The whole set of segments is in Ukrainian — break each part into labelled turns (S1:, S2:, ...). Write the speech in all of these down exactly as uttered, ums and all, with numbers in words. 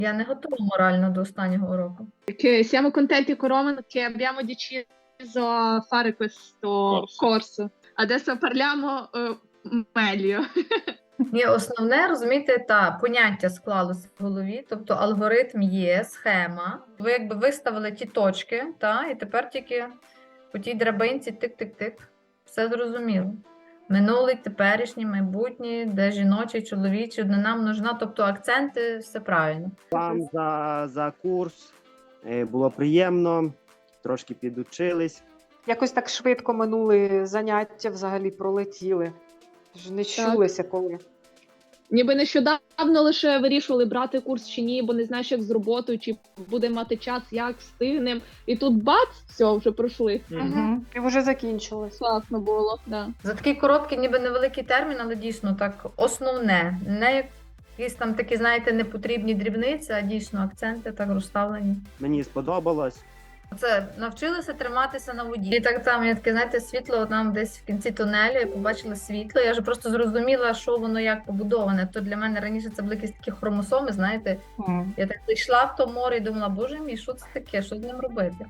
S1: Я не готова морально до останнього уроку.
S2: Che siamo contenti con Roman che abbiamo deciso a fare questo
S3: Corso.
S2: corso. Adesso parliamo eh, meglio.
S1: Ні, основне, розумієте, та поняття склалося в голові, тобто алгоритм є, схема. Ви якби виставили ті точки, та, і тепер тільки по тій драбинці тик-тик-тик. Все зрозуміло. Минулий, теперішній, майбутній, де жіночий, чоловічий, однина, множина, тобто акценти, все правильно.
S4: Вам за, за курс. Е, Було приємно, трошки підучились.
S5: Якось так швидко минули заняття, взагалі пролетіли. Ж не чулися коли.
S2: Ніби нещодавно лише вирішували брати курс чи ні, бо не знаєш, як з роботою, чи буде мати час, як встигнем. І тут бац, все, вже пройшли.
S5: Угу. І вже закінчилось.
S2: Класно було, да.
S1: За такий короткий, ніби невеликий термін, але дійсно так основне. Не якісь там такі, знаєте, непотрібні дрібниці, а дійсно акценти так розставлені.
S4: Мені сподобалось.
S1: Це навчилися триматися на воді. І так там, я таке, знаєте, світло от нам десь в кінці тунелю, я побачила світло, я вже просто зрозуміла, що воно як побудоване. То для мене раніше це були якісь такі хромосоми, знаєте. Я так зайшла в то море і думала, боже мій, що це таке, що з ним робити?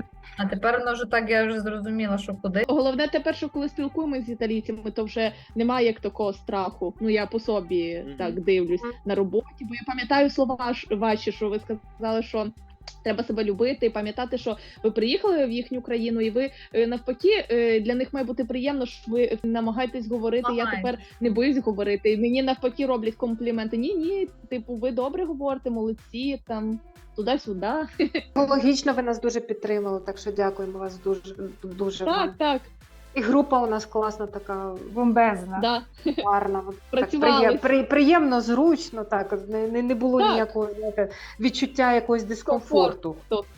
S1: А тепер воно вже так, я вже зрозуміла, що куди.
S2: Головне тепер, що коли спілкуємося з італійцями, то вже немає як такого страху. Ну, я по собі
S4: Мгм.
S2: так дивлюсь на роботі, бо я пам'ятаю слова ж- ваші, що ви сказали, що треба себе любити і пам'ятати, що ви приїхали в їхню країну, і ви е, навпаки, е, для них має бути приємно, що ви намагаєтесь говорити. Я
S1: Намагаюсь.
S2: тепер не боюсь говорити. І мені навпаки роблять компліменти. Ні, ні, типу, ви добре говорите, молодці, там туди-сюди.
S5: Логічно, ви нас дуже підтримали, так що дякуємо вас дуже. дуже
S2: Так,
S5: вам.
S2: так,
S5: І група у нас класна, така
S6: Бомбезна.
S2: да.
S5: гарна. от Так
S2: Працювали.
S5: приєм- при- приємно, зручно, так. Не, не, не було
S2: Так.
S5: ніякого знаєте, відчуття якогось дискомфорту.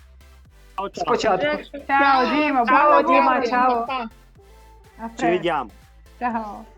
S5: Спочатку.
S6: Ciao Dima,
S2: Чао,
S6: buona Dima,
S2: дякую.
S6: ciao.
S2: Па-па.
S6: A
S4: Ci
S6: presto.
S4: vediamo.
S6: Ciao.